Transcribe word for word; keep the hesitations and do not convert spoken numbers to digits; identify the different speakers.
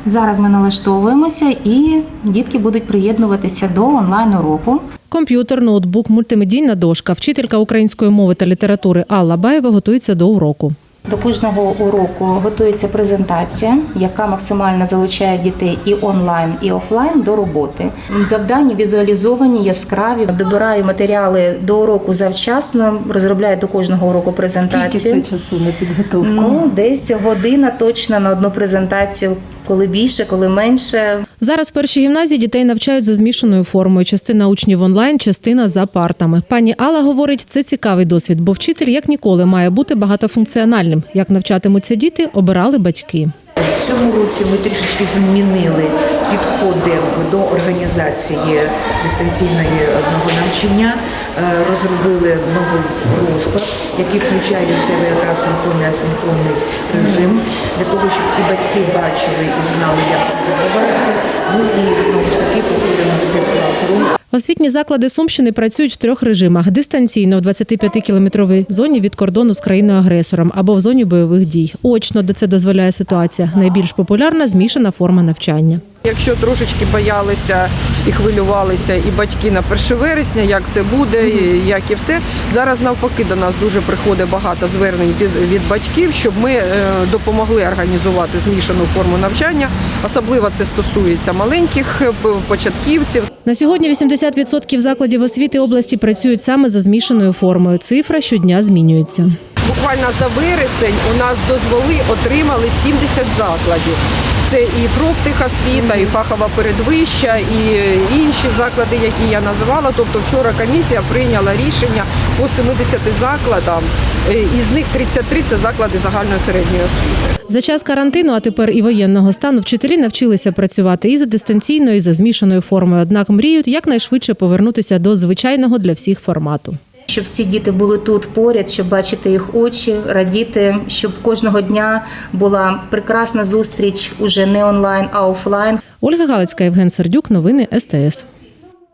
Speaker 1: Зараз ми налаштовуємося і дітки будуть приєднуватися до онлайн-уроку.
Speaker 2: Комп'ютер, ноутбук, мультимедійна дошка. Вчителька української мови та літератури Алла Баєва готується до уроку.
Speaker 1: До кожного уроку готується презентація, яка максимально залучає дітей і онлайн, і офлайн до роботи. Завдання візуалізовані, яскраві. Добираю матеріали до уроку завчасно, розробляю до кожного уроку презентацію.
Speaker 3: Скільки це часу на підготовку?
Speaker 1: Ну, десь година точно на одну презентацію. Коли більше, коли менше.
Speaker 2: Зараз в першій гімназії дітей навчають за змішаною формою. Частина учнів онлайн, частина за партами. Пані Алла говорить, це цікавий досвід, бо вчитель, як ніколи, має бути багатофункціональним. Як навчатимуться діти, обирали батьки.
Speaker 4: В цьому році ми трішечки змінили підходи до організації дистанційної навчання, розробили новий розклад, який включає в себе якраз синхронний, асинхронний режим, для того, щоб і батьки бачили і знали, як це відбувається. Ну і знову ж таки повторюємо все в класрум.
Speaker 2: Освітні заклади Сумщини працюють в трьох режимах – дистанційно в двадцятип'ятикілометровій зоні від кордону з країною-агресором або в зоні бойових дій. Очно, де це дозволяє ситуація. Найбільш популярна – змішана форма навчання.
Speaker 5: Якщо трошечки боялися і хвилювалися і батьки на перше вересня, як це буде, і як і все, зараз навпаки до нас дуже приходить багато звернень від, від батьків, щоб ми допомогли організувати змішану форму навчання. Особливо це стосується маленьких початківців.
Speaker 2: На сьогодні вісімдесят відсотків закладів освіти області працюють саме за змішаною формою. Цифра щодня змінюється.
Speaker 5: Буквально за вересень у нас дозволи отримали сімдесят закладів. Це і профтехосвіта, і фахова передвища, і інші заклади, які я називала. Тобто вчора комісія прийняла рішення по семидесяти закладам, із них тридцять три – це заклади загальної середньої освіти.
Speaker 2: За час карантину, а тепер і воєнного стану, вчителі навчилися працювати і за дистанційною, і за змішаною формою. Однак мріють якнайшвидше повернутися до звичайного для всіх формату.
Speaker 1: Щоб всі діти були тут поряд, щоб бачити їх очі, радіти, щоб кожного дня була прекрасна зустріч уже не онлайн, а офлайн.
Speaker 2: Ольга Галицька, Євген Сердюк. Новини ес те ес.